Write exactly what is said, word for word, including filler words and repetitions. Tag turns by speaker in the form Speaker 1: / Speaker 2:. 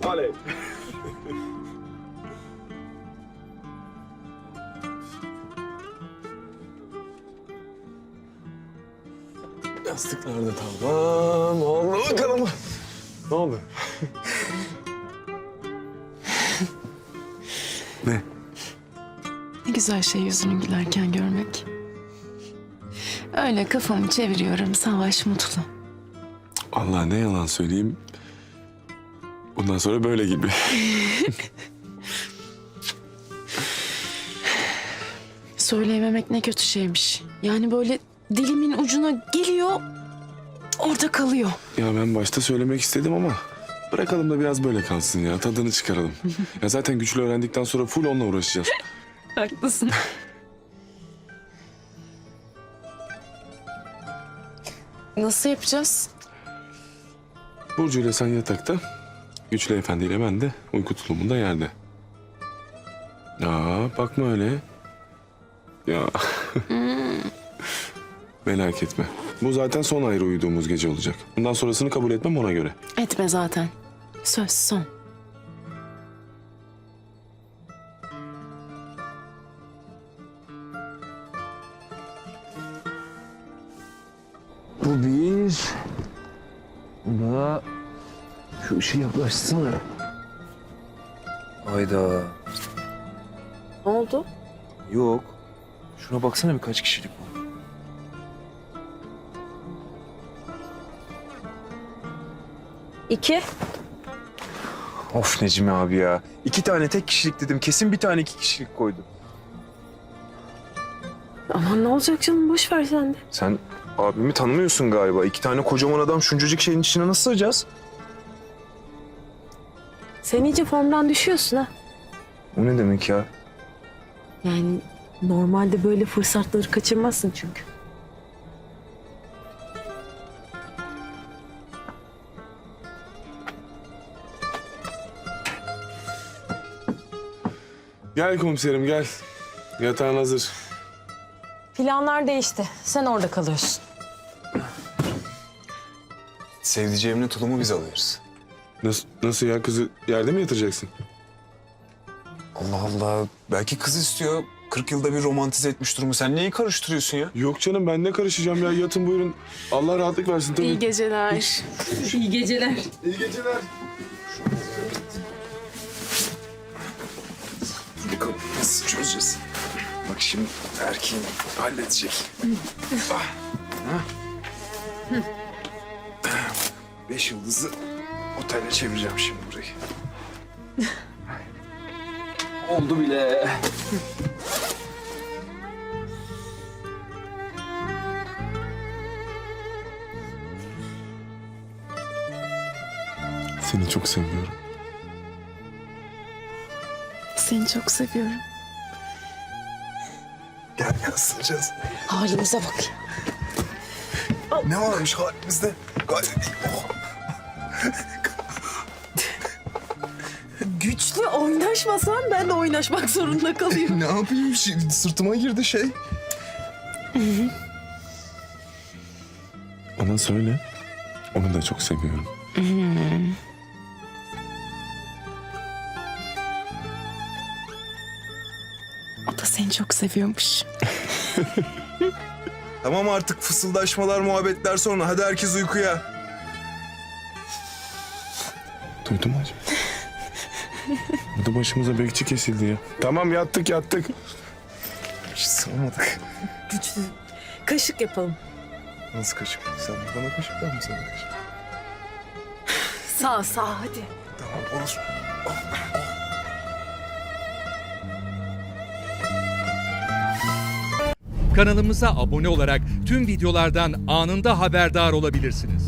Speaker 1: Oley. Yastıklar da tamam. Oldu bakalım. Ne oldu? Ne?
Speaker 2: Ne güzel şey yüzünü gülerken görmek. Öyle kafamı çeviriyorum, Savaş mutlu.
Speaker 1: Allah ne yalan söyleyeyim. Bundan sonra böyle gibi.
Speaker 2: Söyleyememek ne kötü şeymiş. Yani böyle dilimin ucuna geliyor, orada kalıyor.
Speaker 1: Ya ben başta söylemek istedim ama bırakalım da biraz böyle kalsın ya. Tadını çıkaralım. Ya zaten güçlü öğrendikten sonra full onunla uğraşacağız.
Speaker 2: Haklısın. Nasıl yapacağız?
Speaker 1: Burcu ile sen yatakta, Güçlü Efendi ile ben de uyku tulumunda yerde. Aa bakma öyle. Ya. Merak etme. Bu zaten son ayrı uyuduğumuz gece olacak. Bundan sonrasını kabul etmem ona göre.
Speaker 2: Etme zaten. Söz son.
Speaker 3: Bu bir. Bu da... Şu ışığı yaklaşsana. Hayda.
Speaker 2: Ne oldu?
Speaker 3: Yok. Şuna baksana birkaç kişilik bu.
Speaker 4: İki.
Speaker 3: Of Necmi abi ya. İki tane tek kişilik dedim. Kesin bir tane iki kişilik koydu.
Speaker 4: Aman ne olacak canım, boş ver sen de.
Speaker 3: Sen abimi tanımıyorsun galiba. İki tane kocaman adam şuncacık şeyin içine nasıl sığacağız?
Speaker 4: Sen iyice formdan düşüyorsun ha.
Speaker 3: O ne demek ya?
Speaker 4: Yani normalde böyle fırsatları kaçırmazsın çünkü.
Speaker 1: Gel komiserim gel. Yatağın hazır.
Speaker 4: Planlar değişti. Sen orada kalıyorsun.
Speaker 3: Sevdiceğimle tulumu biz alıyoruz.
Speaker 1: Nasıl, nasıl ya kızı yerde mi yatıracaksın?
Speaker 3: Allah Allah. Belki kız istiyor. kırk yılda bir romantize etmiş durumu. Sen neyi karıştırıyorsun ya?
Speaker 1: Yok canım ben ne karışacağım ya yatın buyurun. Allah rahatlık versin tabii.
Speaker 2: İyi geceler.
Speaker 4: İyi geceler.
Speaker 1: İyi geceler.
Speaker 3: Bakalım nasıl çözeceğiz? Bak şimdi erkeğim halledecek. Ah. Ha? Beş yıldızlı otele çevireceğim şimdi burayı. Oldu bile.
Speaker 1: Seni çok seviyorum.
Speaker 2: Seni çok seviyorum.
Speaker 3: Gel gel ısıracağız.
Speaker 4: Halimize bak ya.
Speaker 3: Ne varmış halimizde? Gayet iyi. Oh.
Speaker 4: Güçlü oynaşmasan ben de oynaşmak zorunda kalıyorum.
Speaker 3: Ne yapayım? Şimdi sırtıma girdi şey.
Speaker 1: Ona söyle. Onu da çok seviyorum.
Speaker 2: O da seni çok seviyormuş.
Speaker 3: Tamam artık fısıldaşmalar, muhabbetler sonra. Hadi herkes uykuya.
Speaker 1: Duydun mu acaba? Burada başımıza bekçi kesildi ya. Tamam yattık yattık.
Speaker 3: Hiç sığamadık.
Speaker 4: Güçlü. Kaşık yapalım.
Speaker 3: Nasıl kaşık? Sen bana kaşık, ben mi sana kaşık?
Speaker 4: Sağ sağ hadi.
Speaker 3: Tamam olur.
Speaker 5: Kanalımıza abone olarak tüm videolardan anında haberdar olabilirsiniz.